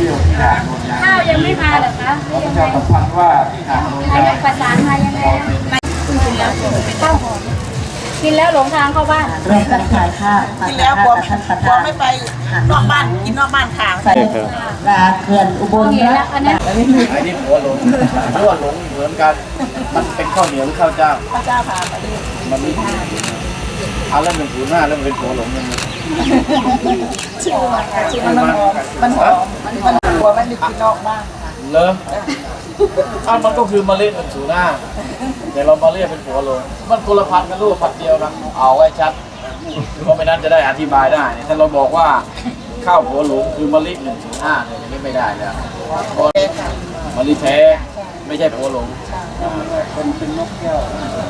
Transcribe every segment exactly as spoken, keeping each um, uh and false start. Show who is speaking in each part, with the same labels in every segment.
Speaker 1: ที่ยวที่หาดโนนยาง
Speaker 2: ข้าวยังไม่มาเหรอคะ
Speaker 1: เราประชาสัมพันธ์ว่าที่หาดโนน
Speaker 2: นาย
Speaker 1: ยาง
Speaker 2: กประสานมายังไงคุณกินแล้วข้าวหอมกินแล้วหลงทางเข้าบ้าน
Speaker 3: เริ่มการขายข้าว
Speaker 4: กินแล้วกลัวกลัวไม่ไปนอกบ้านกินนอกบ้านค่ะ
Speaker 3: ใส่ปลาเขื่อนอุบลนะอันนี้
Speaker 1: ไอ้นี่หัวหลงหัวหลงเหมือนกันมันเป็นข้าวเหนียวหรือข้าวเจ้า
Speaker 4: ข้าวเจ้าค่ะ
Speaker 1: มันไม่เอาแล้วมันถูหน้าแล้วมันเป็นหัวหลงยังไง
Speaker 4: ชื่อชื่อมันหอมมันหอมมันมันกลัวมันมีกินนอกบ้าน
Speaker 1: เลอถ้ามันก็คือเมล็ดมันถูหน้าแต่เรามาเรียกเป็นหัวหลงมันคนละพันกันลูกพันเดียวนะเอาไว้ชัดเพราะไม่นั้นจะได้อธิบายได้ถ้าเราบอกว่าข้าวหัวหลงคือมะลิหนึ่งถึงห้าเนี่ยนี่ไม่ได้แล้วมะลิแท้ไม่ใช่หัวหลงเป็นเป็นนกแก้ว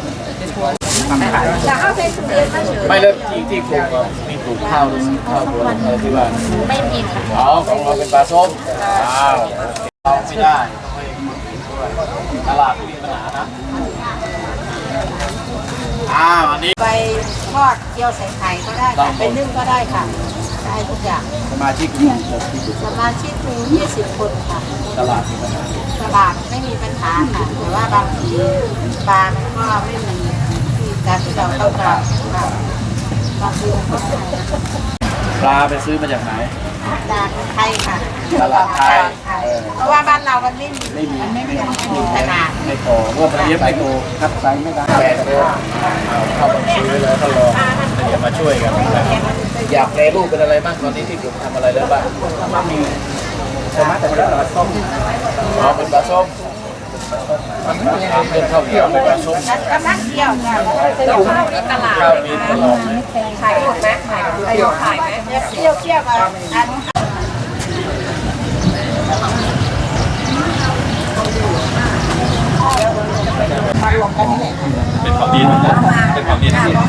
Speaker 2: จะเอาไปสุเรียนมาเฉย
Speaker 1: ไม่เลิกที่ที่ปลูกมีปลูกข้าวข้าวหัวหลงอะไรที่บ้าน
Speaker 2: ไม่มีค่ะ
Speaker 1: อ๋อของเราเป็นปลาส้มอ้าวเราไม่ได้ตลาดมีปัญหานะอ่าวันนี้
Speaker 4: ไปทอดเกี๊ยวใส่ไข่ก็ได้ค่ะเป็นนึ่งก็ได้ค่ะได้ทุกอย่าง
Speaker 1: สมาชิกมี
Speaker 4: สมาชิกมียี่สิบคนค่ะ
Speaker 1: ตลาดมีปัญหา
Speaker 4: ตลาดไม่มีปัญหาค่ะแต่ว่าบางทีปลามันก็ไม่มีที่การที่เราต้องการค่ะบางทีมันก็ขาย
Speaker 1: ปลาไปซื้อมาจากไหน
Speaker 4: ตลาดไทยค่ะ
Speaker 1: ตลาดไทย
Speaker 4: เพราะว่าบ้านเรามันไม่มี
Speaker 1: ไม่มี
Speaker 4: ไม่มีขนาด
Speaker 1: ไม่โตเมื่อประเดี๋ยวไม่โตคัดไซส์ไม่ได้แปดตัวเข้ามาซื้อเลยก็รอเดี๋ยวมาช่วยกันอยากแปรรูปเป็นอะไรบ้างตอนนี้ที่ผมทำอะไรแล้วบ้างมีสมาร์ทแต่ละปลาส้มอ๋อเป็นปลาส้มเป็นข้าวเหนียวเป็นปลาส้ม
Speaker 4: กำลังเที่ยวจ้ะข้าวมีตลาด
Speaker 1: ข้าวมีตลาด
Speaker 4: ขายหมดไหมขายเที่ยวขายไหมเที่ยวเที่ยวกันอันมารวมกันนี่แหละ
Speaker 1: เป็นของดีนะเป็นของดีนะที่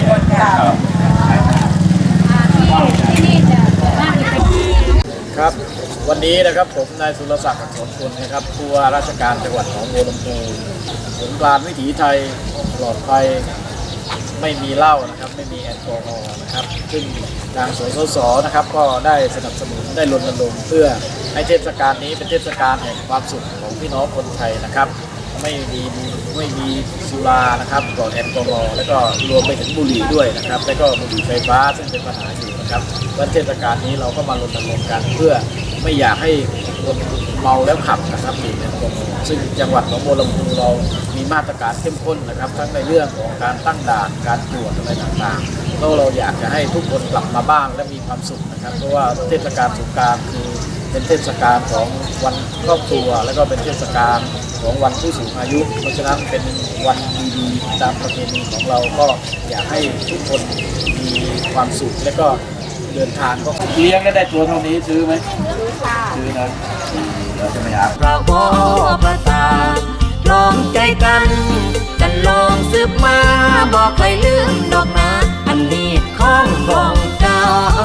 Speaker 2: นี่จะน่าจะเป็น
Speaker 1: ครับวันนี้นะครับผมนายสุรศักดิ์อักษรคุณนะครับผู้ว่าราชการจังหวัดหนองบัวลำพูสงกรานต์วิถีไทยปลอดภัยไม่มีเหล้านะครับไม่มีแอลกอฮอล์นะครับซึ่งทางสสสนะครับก็ได้สนับสนุนได้รณรงค์เพื่อให้เทศกาลนี้เป็นเทศกาลแห่งความสุขของพี่น้องคนไทยนะครับไม่มีไม่มีสุรานะครับปลอดแอลกอฮอล์แล้วก็รวมไปถึงบุหรี่ด้วยนะครับแล้วก็บุหรี่ไฟฟ้าซึ่งเป็นปัญหาอยู่นะครับวันเทศกาลนี้เราก็มารณรงค์กันเพื่อไม่อยากให้คนเมาแล้วขับนะครับดื่มแอลกอฮอล์ซึ่งจังหวัดหนองบัวลำพูเรามีมาตรการเข้มข้นนะครับทั้งในเรื่องของการตั้งด่านการตรวจอะไรต่างๆแล้วเราอยากจะให้ทุกคนกลับมาบ้านและมีความสุขนะครับเพราะว่าเทศกาลสงกรานต์คือเป็นเทศกาลของวันครอบครัวและก็เป็นเทศกาลของวันผู้สูงอายุเพราะฉะนั้นเป็นวันดีๆตามประเพณีของเราก็อยากให้ทุกคนมีความสุขและก็เดินทางก็เลี้ยงได้ได้ตัวเท่านี้ซื้อไหมซื้อค่ะซื้อนะเราจะไม่หา
Speaker 5: พระวอพระตาลองใจกันกันลองสืบมาบอกใครลืมดอกนาอันนี้ของของเจ้า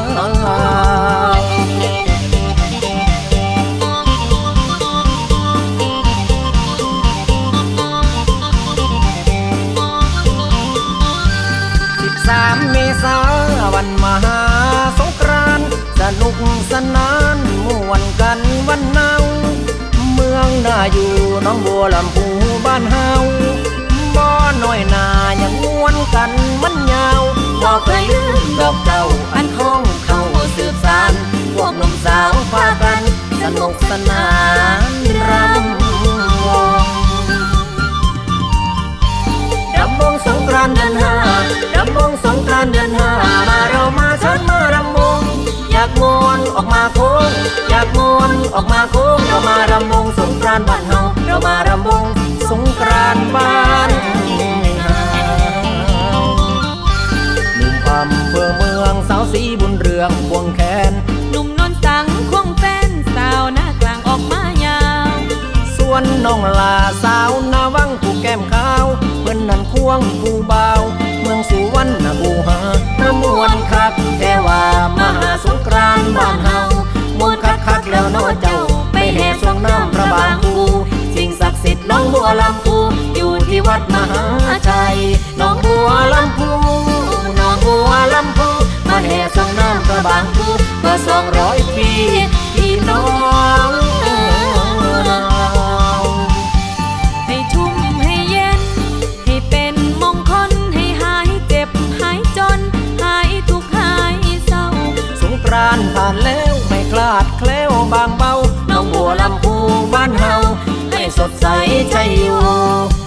Speaker 5: สามเมษาวันมหาสงกรานต์สนุกสนานม่วนกันวันเนาเมืองน่าอยู่น้องบัวลำพูบ้านเฮาบ่น้อยนายังม่วนกันมันยาวบอกเคยลืมดอกเจ้าอันของเขาสืบสานพวกหนุ่มสาวพากันสนุกสนานรำวงรำวงสงกรานต์เดือนห้ารำวงสงกรานต์เดือนห้ามาเรามาฉันมารำวงอยากมวนออกมาโค้งอยากมวนออกมาโค้งเรามารำวงสงกรานต์บ้านเฮาเรามารำวงสงกรานต์บ้านเฮาหนุ่มอำเภอเมืองสาวสีบุญเรืองควงแขน
Speaker 2: หนุ่มนนสังควงแฟนสาวหน้ากลางออกมายาว
Speaker 5: ส่วนน้องลาสาวนาวังผู้แก้มขาวเพิ่นนั่นควงผู้บ่าวเมืองสุวรรณภูหาประมวลคักแต่ว่ามหาสงกรานต์บ้านเฮามวลคักคักแล้วน้อเจ้าไปแห่ส่องน้ำพระบางคูสิ่งศักดิ์สิทธิ์น้องบัวลำพูอยู่ที่วัดมหาชัยน้องบัวลำพูน้องบัวลำพูมาแห่ส่องน้ำพระบางคูเมื่อสองร้อยปีพี่น้องลาดแคล้วบางเบาน้องบัวลำพูบ้านเฮาให้สดใสใจอยู่